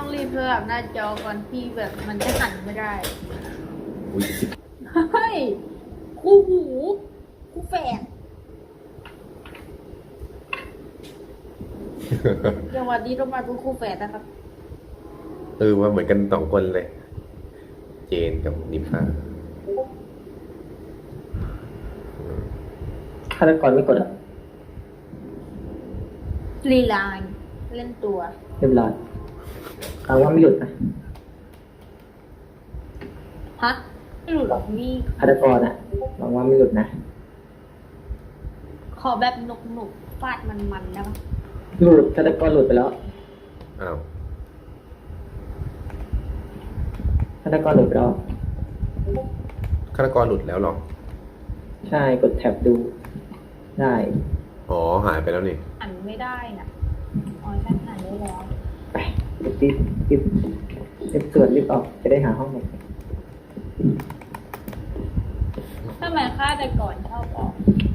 ต้องรีบสลับหน้าจอก่อนที่แบบมันจะหันไม่ได้อุ้ยเฮ้ยคู่หูคู่แฝดจังหวะนี้ต้องมาเป็นคู่แฝดนะครับว่าเหมือนกันสองคนเลย เจนกับนิพาฆาตกรไม่กดอ่ะลีลานเล่นตัวเรียบร้อยเอาว่าไม่หลุดนะฮะไม่หลุดหรอกนี่ฆาตกรอ่ะหวังว่าไม่หลุดนะขอแบบหนุกๆฟาดมันๆนะหลุดฆาตกรหลุดไปแล้วอ้าวฆาตกรหลุดไปแล้วฆาตกรหลุดแล้วเหรอใช่กดแท็บดูได้อ๋อหายไปแล้วนี่หันไม่ได้น่ะอ๋อฉันหันได้แล้วไปรีบตรวจรีบออกจะได้หาห้องใหม่ทำไมฆ่าแต่ก่อนชอบออก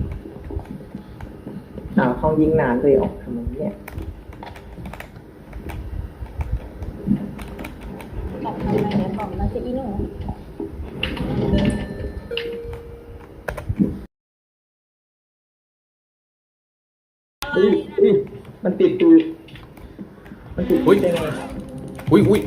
ห้องยิงนานเลยออกทำไมเนี่ยบอกทำไมเดี๋ยวบอกมาสิอีหนูอุ้ยมันติดตูมันติดตูได้ไงอุ้ยโอ้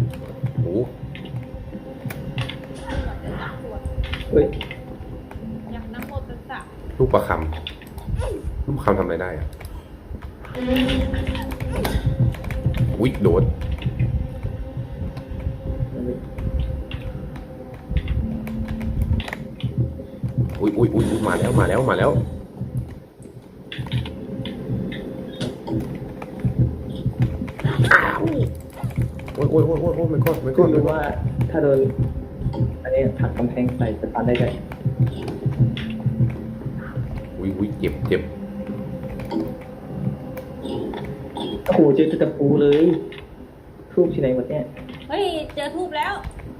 อุ้ยอยากน้ำโมตัสสะลูกประคำลูกประคำทำอะไรได้อ่ะอุ้ยโดนอุ้ยมาแล้วอ้าวโอ้ยไม่ก็ก็รู้ว่าถ้าโดนอันนี้ผลักกำแพงใส่จะตันได้ไงอุ้ยเจ็บโอ้โหเจอตะปูเลยทูบที่ไหนหมดเนี่ยเฮ้ยเจอทูบแล้ว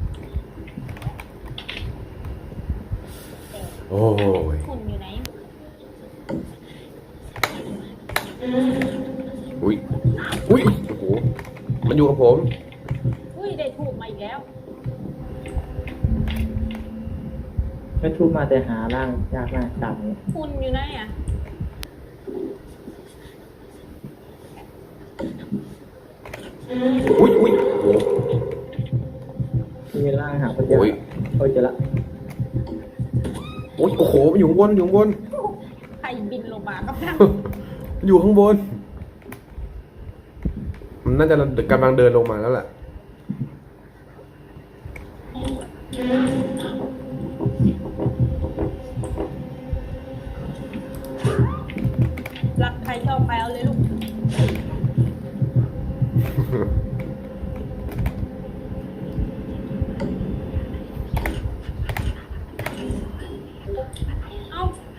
โอ้ยหุ่นอยู่ไหนอุ้ยโอ้โหมันอยู่กับผมอุ้ยได้ทูบมาอีกแล้วไม่ทูบมาแต่หาร่างยากมากต่ำเนี่ยหุ่นอยู่ไหนอ่ะอุ้ยโอ้โหมีร่างหาคนเดียวโอ้ยโอ้ยเจอละโอ้โหมันอยู่ข้างบนใครบินลงมาก็ได้มันอยู่ข้างบน มันน่าจะกำลังเดินลงมาแล้วแหละรักใครชอบใครเอาเลยลูก เอา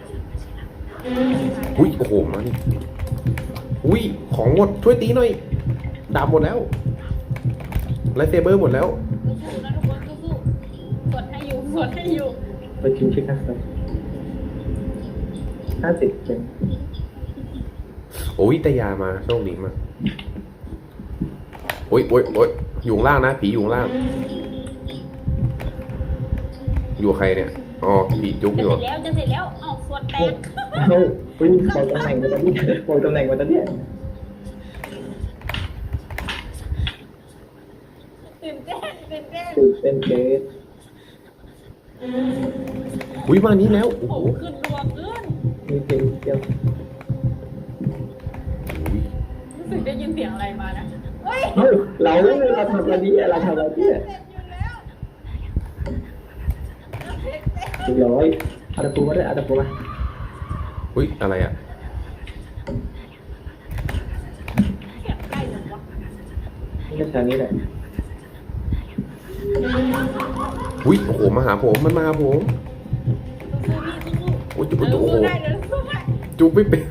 อุ้ยโอ้โหมาดิอุ้ยของหมดช่วยตีหน่อยดาบหมดแล้วไลท์เซเบอร์หมดแล้วสู้ๆนะทุกคนสู้ๆสวดให้อยู่ไปชิมชิคกันเลย50เป็นโอ้ยแต่ยามาโชคดีมากโอ้ยอยู่ข้างล่างนะผีอยู่ข้างล่าง อยู่กับใครเนี่ยอ๋อผีจุกอยู่จะเสร็จแล้วเอาสวดแตกเฮ้ยอุ้ยบอกตำแหน่งมาตอนนี้บอกตำแหน่งมาตอนนี้ตื่นเต้นตื่นเต้นเกสอุ้ยมานี้แล้วโอ้โอ้โหขึ้นดวงขึ้นมีเพลงเดียวอุ้ยรู้สึกได้ยินเสียงอะไรมานะเฮ้ยเฮ้ยเราทำอะไรเนี่ยเราทำอะไรเนี่ยเสร็จอยู่แล้วเรียบร้อยเอาตะปูมาด้วยเอาตะปูมาอุ้ยอะไรอ่ะเสียงใกล้จังวะนี่ก็แถวนี้แหละอุ้ยโอ้โหมาหาผมมันมาหาผมสู้ๆพี่สู้ๆโอ้ยจุกเดี๋ยวโอ้โหสู้ได้เดี๋ยวสู้ได้จุกไม่เป็น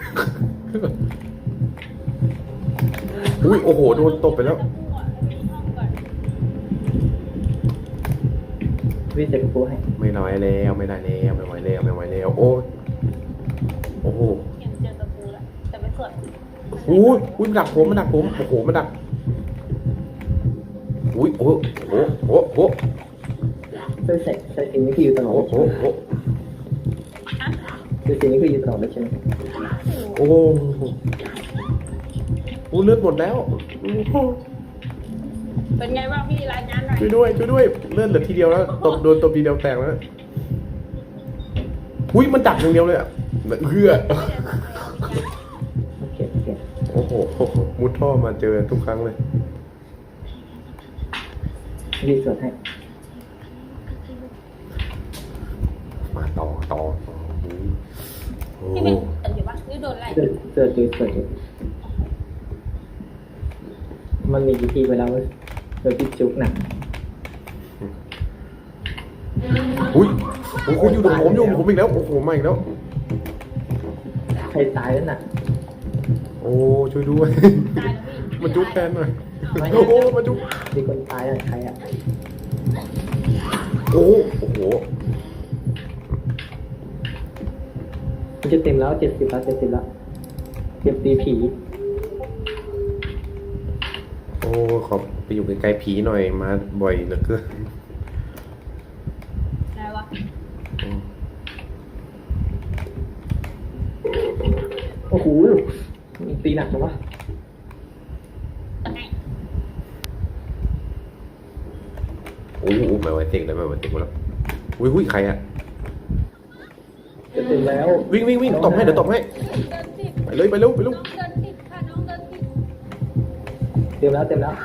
อุ้ยโอ้โหโดนตบไปแล้ววิ่งจะตะปูให้ไม่ไหวแล้วไม่ได้แล้วไม่ไหวแล้วโอ้ยโอ้โหเห็นเจอตะปูแล้วแต่ไปสวดอุ้ยมันดักผมโอ้โหมันดักอุ้ยโอ้โหโอ้โหใส่สิ่งนี้คืออยู่ตลอดโอ้โหโอ้โหใส่สิ่งนี้คืออยู่ตลอดเลยใช่ไหมโอ้โหอู้เลือดหมดแล้วเป็นไงบ้างพี่รายงานหน่อยช่วยด้วยช่วยด้วยเลือดเหลือทีเดียวแล้วตบโดนตบทีเดียวแตกแล้วนะอุ้ยมันดักอย่างเดียวเลยอ่ะเฮือโอเคโอ้โหมุดท่อมาเจอทุกครั้งเลยรีสวดให้มาต่อโอ้พี่โหเป็นอยู่ปะหรือโดนอะไรสวดดูมันมีวิธีเวลาโดยพี่จุกหนักอุ้ยโอ้โหอยู่ตรงผมอีกแล้วโอ้โหมาอีกแล้วใครตายแล้วน่ะโอ้ช่วยด้วยตายแล้วพี่มาจุ๊บแทนหน่อยโอ้โหมาจุ๊บมีคนตายอ่ะใครอ่ะโอ้โหมันจะเต็มแล้ว70แล้ว70แล้วเก็บตีผีโอ้ขอไปอยู่ไกลๆผีหน่อยมาบ่อยเหลือเกินอะไรวะโอ้โหตีหนักจังวะตะไงโอ้โหไม่ไหวเต็งเลยไม่ไหวเต็งแล้วอุ้ยใครอะจะเต็มแล้ววิ่งตบให้เดี๋ยวตบให้เดินติดไปเลยไปเร็วน้องเดินติดค่ะน้องเดินติดเต็มแล้ว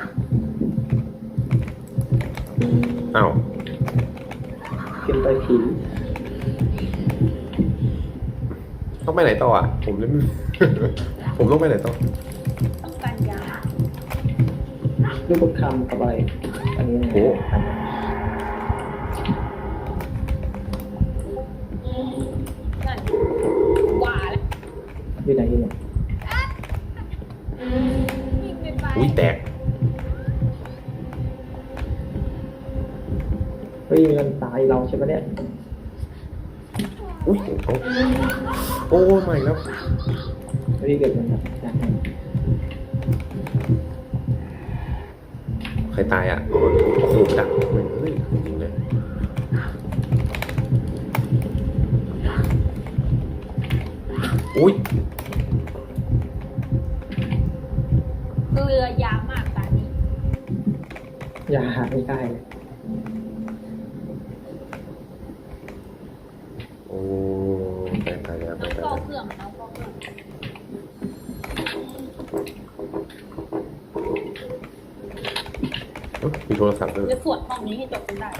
อ้าวเก็บไปผีต้องไปไหนต่ออ่ะผมเลยไม่ ผมต้องไปไหนต่อต้องการยาลูกประคำกับอะไรอันนี้โอ้นั่นว่าแล้วอยู่ไหนวิ่งไปอุ้ยแตกเฮ้ยมันตายเราใช่ไหมเนี่ยอุ้ยโอ้ใหม่แล้วเฮ้ยเกิดมันแบบอยากให้ใครตายอ่ะโอ้โหดักเฮ้ยจริงเลยอุ้ยเรือยามากตานี้อย่าหาไม่ได้เลยโอ้ไปแล้วน้องฟอกเครื่องน้องฟอกเครื่องมีโทรศัพท์ด้วยจะสวดห้องนี้ให้จบกันได้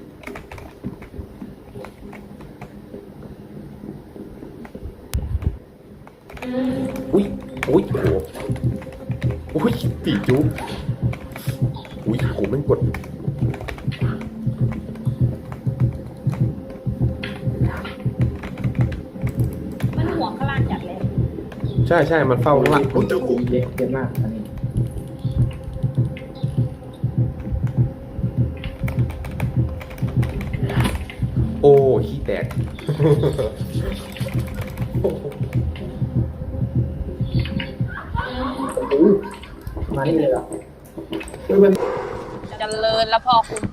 อุ้ยโอ้โหอุ้ยปีจุ๊บอุ้ยโหไม่งกดมันหัวขลาดจัดเลยใช่มันเฝ้าข้างหลังโอ้ยเยอะมากอันนี้โอ้ขี้แตกโอ้โหมานี่เลยเหรอคือมันเจริญแล้วพอคุณ